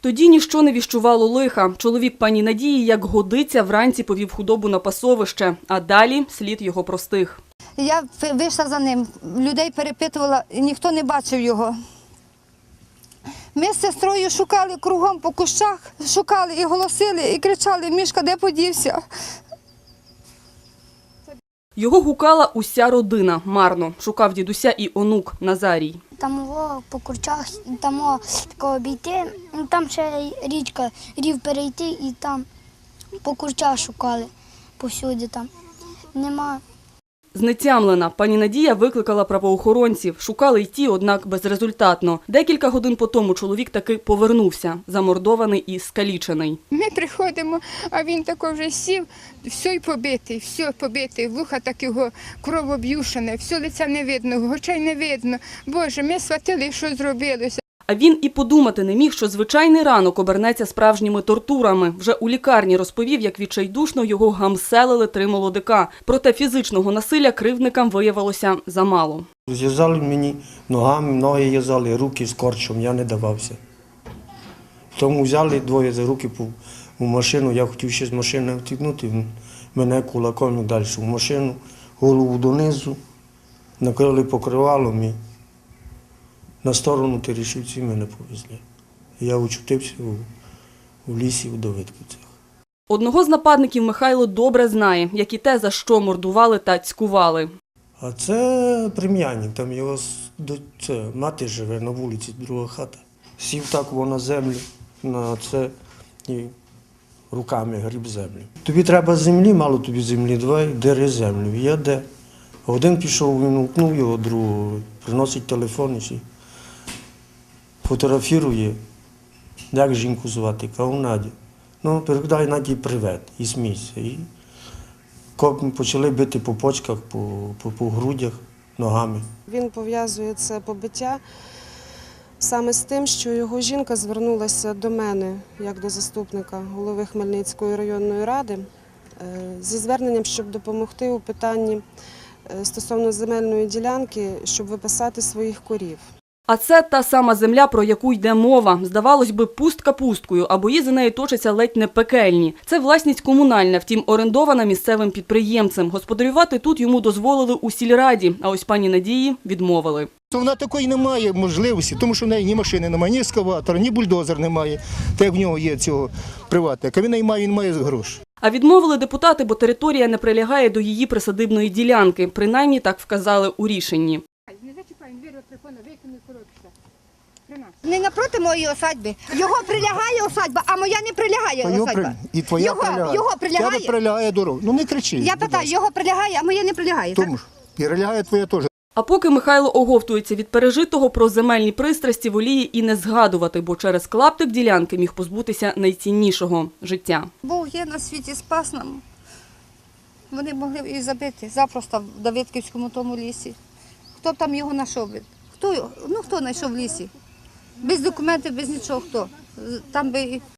Тоді ніщо не віщувало лиха. Чоловік пані Надії, як годиться, вранці повів худобу на пасовище, а далі слід його простих. Я вийшла за ним, людей перепитувала, і ніхто не бачив його. Ми з сестрою шукали кругом по кущах, шукали і голосили, і кричали: «Мішка, де подівся?» Його гукала уся родина. Марно. Шукав дідуся і онук Назарій. Там по курчах, там тако обійти, там ще річка, рів перейти і там по курчах шукали, повсюди там. Нема. Знетямлена, пані Надія викликала правоохоронців. Шукали й ті, однак безрезультатно. Декілька годин по тому чоловік таки повернувся, замордований і скалічений. Ми приходимо, а він тако вже сів, все побитий, вуха так його кровоб'юшене, все лиця не видно, очей не видно. Боже, ми схватили, що зробилося. А він і подумати не міг, що звичайний ранок обернеться справжніми тортурами. Вже у лікарні розповів, як відчайдушно його гамселили 3 молодика. Проте фізичного насилля кривдникам виявилося замало. Зв'язали мені ногами, ноги в'язали, руки скорчом, я не давався. Тому взяли двоє за руки у машину, я хотів ще з машини втікнути, мене кулаком далі в машину, голову донизу, накрили покривалом і на сторону Терешівців мене повезли. Я очутився у лісі у Давидківцях. Одного з нападників Михайло добре знає, як і те, за що мордували та цькували. А це плем'янник, там його мати живе на вулиці, друга хата. Сів так на землю, на це і руками гріб землю. Тобі треба землі, мало тобі землі, давай дери землю. Я де? Один пішов, він гукнув його другого, приносить телефон і фотографірує, як жінку звати, кажу: Надя. Ну, передай Наді привіт і смійся. І почали бити по почках, по грудях, ногами. Він пов'язує це побиття саме з тим, що його жінка звернулася до мене, як до заступника голови Хмельницької районної ради, зі зверненням, щоб допомогти у питанні стосовно земельної ділянки, щоб виписати своїх корів. А це та сама земля, про яку йде мова. Здавалось би, пустка пусткою, а бої за нею точаться ледь не пекельні. Це власність комунальна, втім орендована місцевим підприємцем. Господарювати тут йому дозволили у сільраді, а ось пані Надії відмовили. Вона такої не має можливості, тому що в неї ні машини немає, ні ескаватора, ні бульдозер немає, так як в нього є цього приватника. Він має гроші. А відмовили депутати, бо територія не прилягає до її присадибної ділянки. Принаймні так вказали у рішенні. Не зачіпаємо, двері телефона, викинь коробця. Не напроти моєї осадьби. Його прилягає осадьба, а моя не прилягає осадьба. І твоя прилягає. Його прилягає? Тебе прилягає дорога. Ну не кричи. Я питаю, його прилягає, а моя не прилягає. Тому ж, і прилягає твоя теж. А поки Михайло оговтується від пережитого, про земельні пристрасті воліє і не згадувати, бо через клаптик ділянки міг позбутися найціннішого – життя. Бог є на світі, спас нам. Вони могли б і забити запросто в Давидківському тому лісі. Хто б там його знайшов? Хто знайшов в лісі? Без документів, без нічого хто? Там би